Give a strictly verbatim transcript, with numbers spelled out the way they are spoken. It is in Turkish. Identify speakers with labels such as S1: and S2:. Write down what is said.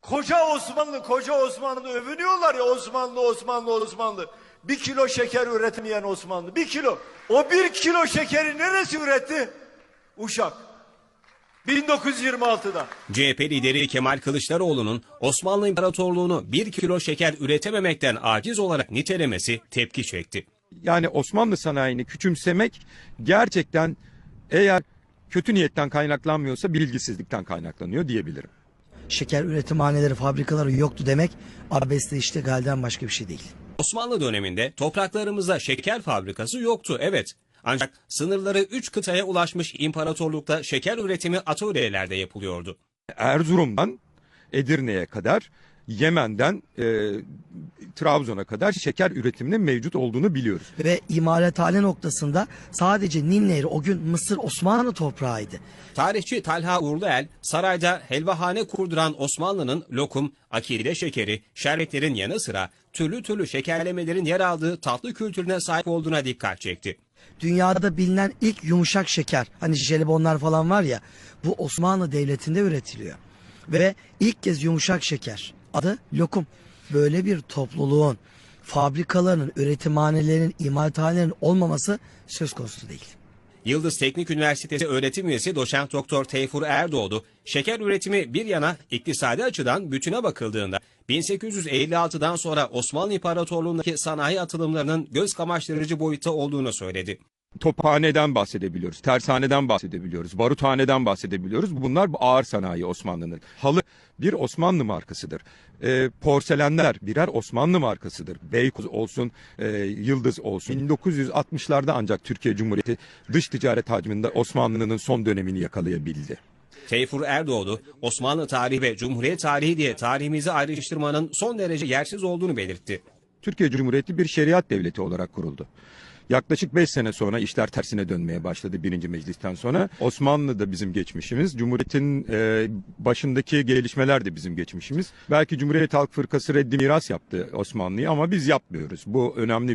S1: Koca Osmanlı, koca Osmanlı övünüyorlar ya, Osmanlı, Osmanlı, Osmanlı. Bir kilo şeker üretemeyen Osmanlı, bir kilo. O bir kilo şekeri neresi üretti? Uşak. bin dokuz yüz yirmi altıda.
S2: C H P lideri Kemal Kılıçdaroğlu'nun Osmanlı İmparatorluğu'nu bir kilo şeker üretememekten aciz olarak nitelemesi tepki çekti.
S3: Yani Osmanlı sanayini küçümsemek gerçekten, eğer kötü niyetten kaynaklanmıyorsa, bilgisizlikten kaynaklanıyor diyebilirim.
S4: Şeker üretimhaneleri, fabrikaları yoktu demek abesle iştigalden başka bir şey değil.
S2: Osmanlı döneminde topraklarımızda şeker fabrikası yoktu, evet. Ancak sınırları üç kıtaya ulaşmış imparatorlukta şeker üretimi atölyelerde yapılıyordu.
S3: Erzurum'dan Edirne'ye kadar, Yemen'den e, Trabzon'a kadar şeker üretiminin mevcut olduğunu biliyoruz.
S4: Ve imalathane noktasında sadece Nil Nehri o gün Mısır Osmanlı toprağıydı.
S2: Tarihçi Talha Uğurluel, sarayda helvahane kurduran Osmanlı'nın lokum, akide şekeri, şerbetlerin yanı sıra türlü türlü şekerlemelerin yer aldığı tatlı kültürüne sahip olduğuna dikkat çekti.
S4: Dünyada bilinen ilk yumuşak şeker, hani jelibonlar falan var ya, bu Osmanlı Devleti'nde üretiliyor. Ve ilk kez yumuşak şeker, adı lokum. Böyle bir topluluğun, fabrikalarının, üretimhanelerinin, imalathanelerin olmaması söz konusu değil.
S2: Yıldız Teknik Üniversitesi öğretim üyesi doçent doktor Teyfur Erdoğdu, şeker üretimi bir yana iktisadi açıdan bütüne bakıldığında bin sekiz yüz elli altıdan sonra Osmanlı İmparatorluğu'ndaki sanayi atılımlarının göz kamaştırıcı boyutta olduğunu söyledi.
S3: Tophaneden bahsedebiliyoruz, tersaneden bahsedebiliyoruz, baruthaneden bahsedebiliyoruz. Bunlar ağır sanayi Osmanlı'nın. Halı bir Osmanlı markasıdır. E, porselenler birer Osmanlı markasıdır. Beykoz olsun, e, Yıldız olsun. bin dokuz yüz altmışlarda ancak Türkiye Cumhuriyeti dış ticaret hacminde Osmanlı'nın son dönemini yakalayabildi.
S2: Teyfur Erdoğdu, Osmanlı tarihi ve Cumhuriyet tarihi diye tarihimizi ayrıştırmanın son derece yersiz olduğunu belirtti.
S3: Türkiye Cumhuriyeti bir şeriat devleti olarak kuruldu. Yaklaşık beş sene sonra işler tersine dönmeye başladı birinci meclisten sonra. Osmanlı da bizim geçmişimiz, Cumhuriyet'in e, başındaki gelişmeler de bizim geçmişimiz. Belki Cumhuriyet Halk Fırkası reddi miras yaptı Osmanlı'yı ama biz yapmıyoruz. Bu önemli.